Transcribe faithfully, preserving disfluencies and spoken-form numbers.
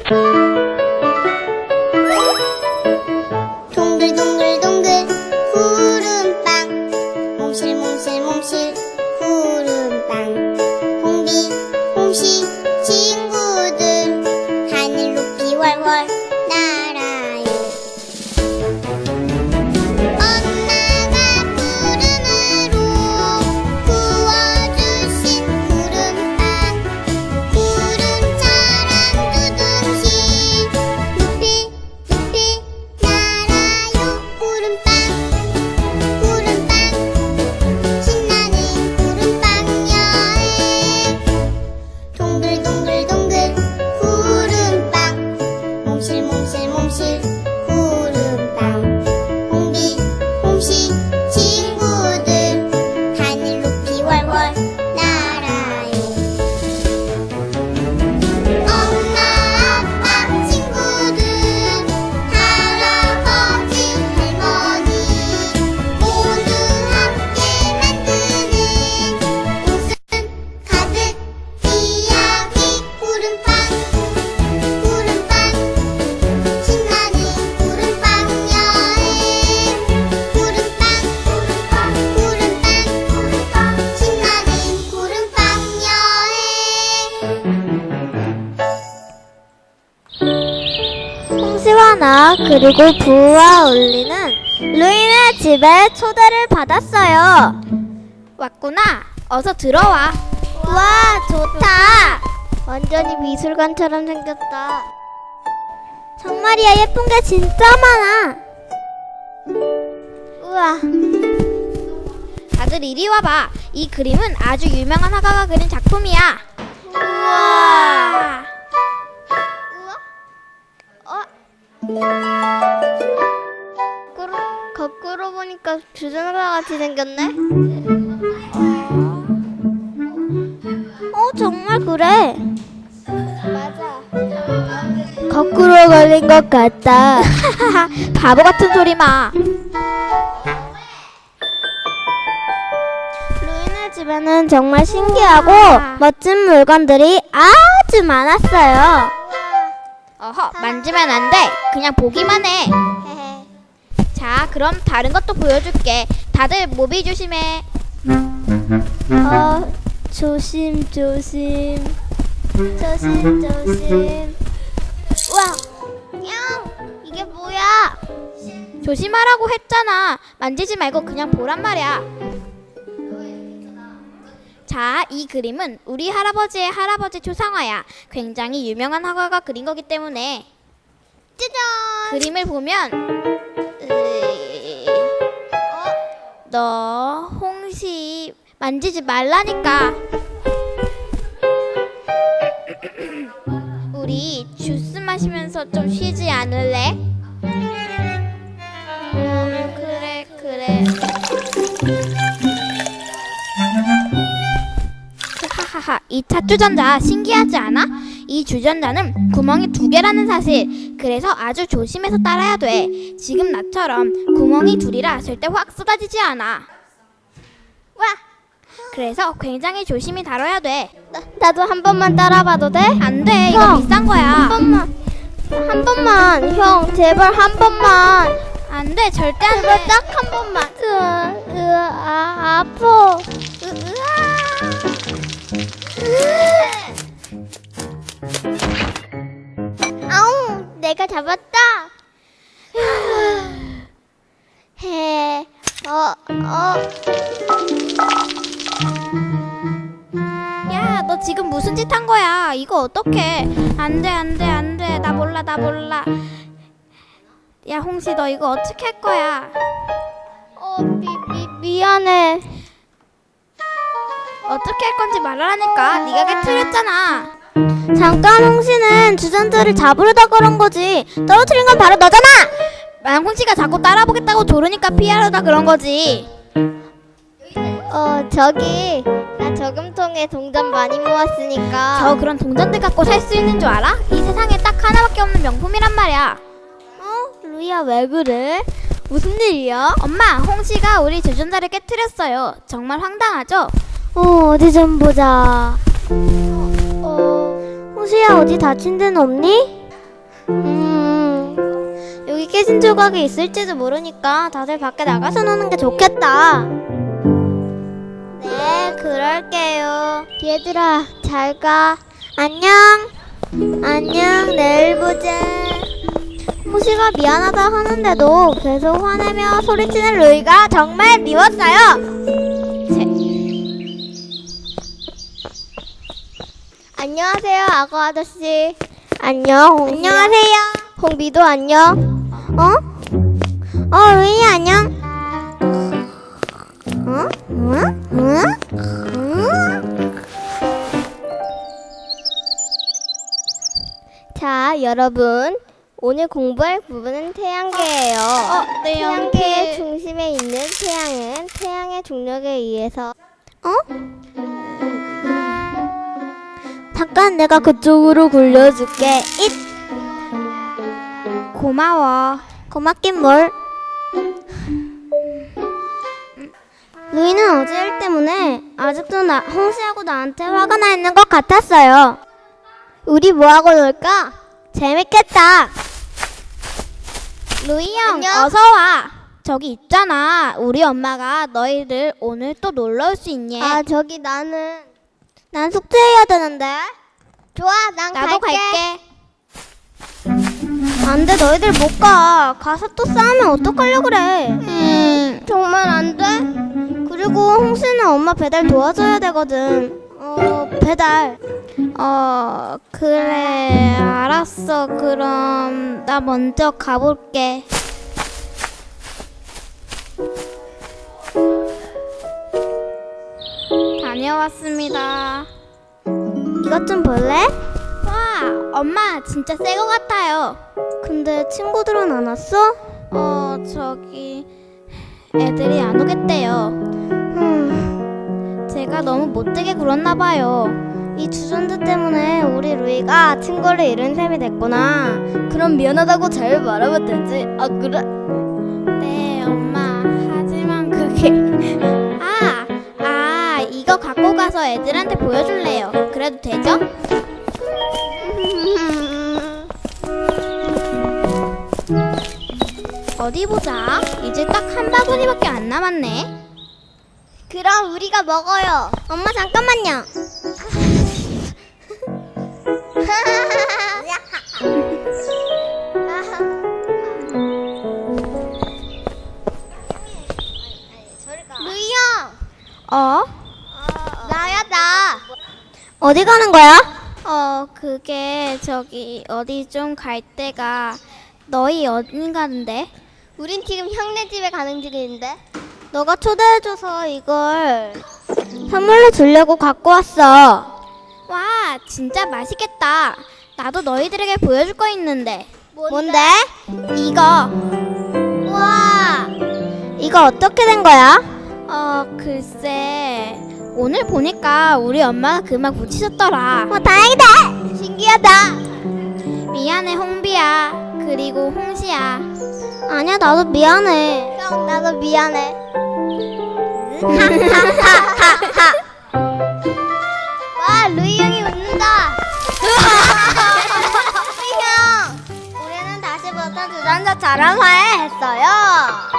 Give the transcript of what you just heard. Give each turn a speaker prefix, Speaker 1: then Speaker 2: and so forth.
Speaker 1: 동글동글동글 구름빵 몽실몽실몽실 구름빵 홍비 홍시 친구들 하늘 높이 월월 날아요. 엄마가 구름으로 구워주신 구름빵 구름처럼 두둥실 높이 높이 날아요. 구름빵 구름빵 신나는 구름빵 여행 동글동글동글 구름빵 몽실몽실몽실 구름빵 홍비 홍시 친구들 하늘 높이 월월 날아요. 엄마 아빠 친구들 할아버지 할머니 모두 함께 만드는 웃음 가득 이야기 구름빵 구름빵 신나는 구름빵 여행 구름빵 구름빵 구름빵 구름빵 신나는 구름빵 여행.
Speaker 2: 홍시와 나 그리고 부와 울리는 루이네 집에 초대를 받았어요.
Speaker 3: 왔구나. 어서 들어와.
Speaker 2: 와, 좋다. 완전히 미술관처럼 생겼다. 정말이야, 예쁜 게 진짜 많아. 우와.
Speaker 3: 다들 이리 와봐. 이 그림은 아주 유명한 화가가 그린 작품이야.
Speaker 2: 우와. 거꾸로, 거꾸로 보니까 주전자 같이 생겼네. 어, 정말 그래. 맞아. 거꾸로 걸린 것 같다.
Speaker 3: 바보 같은 소리 마.
Speaker 2: 루이네 집에는 정말 신기하고 멋진 물건들이 아주 많았어요.
Speaker 3: 어허, 만지면 안 돼. 그냥 보기만 해. 자, 그럼 다른 것도 보여줄게. 다들 모비 조심해.
Speaker 2: 어, 조심 조심 조심 조심. 우와, 냥 이게 뭐야?
Speaker 3: 조심하라고 했잖아. 만지지 말고 그냥 보란 말이야. 자, 이 그림은 우리 할아버지의 할아버지 초상화야. 굉장히 유명한 화가가 그린 거기 때문에.
Speaker 2: 짜잔.
Speaker 3: 그림을 보면 으이, 너 홍시 만지지 말라니까. 우리 주스 마시면서 좀 쉬지 않을래? 어, 그래 그래. 하하하, 이 찻주전자 신기하지 않아? 이 주전자는 구멍이 두 개라는 사실. 그래서 아주 조심해서 따라야 돼. 지금 나처럼 구멍이 둘이라 절대 확 쏟아지지 않아.
Speaker 2: 와,
Speaker 3: 그래서 굉장히 조심히 다뤄야 돼.
Speaker 2: 나, 나도 한 번만 따라봐도 돼?
Speaker 3: 안 돼, 이거
Speaker 2: 형,
Speaker 3: 비싼 거야.
Speaker 2: 한 번만, 한 번만, 형, 제발 한 번만.
Speaker 3: 안 돼, 절대 안
Speaker 2: 제발
Speaker 3: 돼.
Speaker 2: 딱 한 번만. 으아, 으아, 아, 아파.
Speaker 3: 으, 으아.
Speaker 2: 아우, 내가 잡았다. 해, 어, 어.
Speaker 3: 야, 너 지금 무슨 짓 한 거야? 이거 어떡해? 안 돼, 안 돼, 안 돼. 나 몰라, 나 몰라. 야, 홍시, 너 이거 어떻게 할 거야?
Speaker 2: 어, 미, 미, 미안해.
Speaker 3: 어떻게 할 건지 말하라니까. 네가 깨트렸잖아.
Speaker 2: 잠깐, 홍시는 주전자를 잡으려다 그런 거지. 떨어뜨린 건 바로 너잖아.
Speaker 3: 만 홍시가 자꾸 따라보겠다고 조르니까 피하려다 그런 거지.
Speaker 2: 어, 저기 나 저금통에 동전 많이 모았으니까.
Speaker 3: 저 그런 동전들 갖고 살 수 있는 줄 알아? 이 세상에 딱 하나밖에 없는 명품이란 말이야.
Speaker 2: 어? 루이야, 왜 그래? 무슨 일이야?
Speaker 3: 엄마, 홍시가 우리 주전자를 깨트렸어요. 정말 황당하죠?
Speaker 2: 어, 어디 좀 보자. 어, 어, 홍시야, 어디 다친 데는 없니? 음, 여기 깨진 조각이 있을지도 모르니까 다들 밖에 나가서 노는 게 좋겠다. 네, 그럴게요. 얘들아, 잘 가. 안녕. 안녕, 내일 보자. 호시가 미안하다 하는데도 계속 화내며 소리치는 루이가 정말 미웠어요. 안녕하세요, 악어 아저씨. 안녕, 홍 안녕하세요. 홍비도 안녕. 어? 어, 루이 안녕. 어? 응? 응? 응? 자, 여러분. 오늘 공부할 부분은 태양계예요.
Speaker 3: 어, 네,
Speaker 2: 태양계의
Speaker 3: 여기.
Speaker 2: 중심에 있는 태양은 태양의 중력에 의해서 어? 잠깐 내가 그쪽으로 굴려줄게. 잇!
Speaker 3: 고마워.
Speaker 2: 고맙긴 뭘. 루이는 어제 일 때문에 아직도 나, 홍시하고 나한테 화가 나 있는 것 같았어요. 우리 뭐하고 놀까? 재밌겠다.
Speaker 3: 루이 형,
Speaker 2: 안녕.
Speaker 3: 어서 와. 저기 있잖아. 우리 엄마가 너희들 오늘 또 놀러 올 수 있니?
Speaker 2: 아, 저기 나는 난 숙제해야 되는데. 좋아, 난
Speaker 3: 나도
Speaker 2: 갈게.
Speaker 3: 갈게.
Speaker 2: 안 돼, 너희들 못 가. 가서 또 싸우면 어떡하려고 그래.
Speaker 3: 음,
Speaker 2: 정말 안 돼? 그리고 홍씨는 엄마 배달 도와줘야 되거든. 어, 배달.
Speaker 3: 어, 그래. 알았어. 그럼 나 먼저 가볼게. 다녀왔습니다.
Speaker 2: 이것 좀 볼래?
Speaker 3: 와, 엄마 진짜 새 거 같아요.
Speaker 2: 근데 친구들은 안 왔어?
Speaker 3: 어, 저기 애들이 안 오겠대요.
Speaker 2: 음,
Speaker 3: 제가 너무 못되게 굴었나 봐요.
Speaker 2: 이 주전자 때문에 우리 루이가 친구를 잃은 셈이 됐구나. 그럼 미안하다고 잘 말하면 되지. 아, 그래?
Speaker 3: 네, 엄마. 하지만 그게 아, 아, 이거 갖고 가서 애들한테 보여줄래요. 그래도 되죠? 어디 보자. 이제 딱 한 바구니밖에 안 남았네.
Speaker 2: 그럼 우리가 먹어요. 엄마 잠깐만요. 루이 형,
Speaker 3: 어?
Speaker 2: 나야 나. 어디 가는 거야?
Speaker 3: 어, 그게 저기 어디 좀 갈 데가 너희 어디 가는데?
Speaker 2: 우린 지금 형네 집에 가는 중인데. 너가 초대해줘서 이걸 선물로 주려고 갖고 왔어.
Speaker 3: 와, 진짜 맛있겠다. 나도 너희들에게 보여줄 거 있는데.
Speaker 2: 뭔데?
Speaker 3: 이거.
Speaker 2: 와, 이거 어떻게 된 거야?
Speaker 3: 어, 글쎄. 오늘 보니까 우리 엄마가 그만 붙이셨더라.
Speaker 2: 어, 다행이다. 신기하다.
Speaker 3: 미안해, 홍비야. 그리고 홍시야.
Speaker 2: 아니야, 나도 미안해. 형, 나도 미안해. 와, 루이 형이 웃는다. 루이 형, 우리는 다시부터 주전자 자랑회 했어요.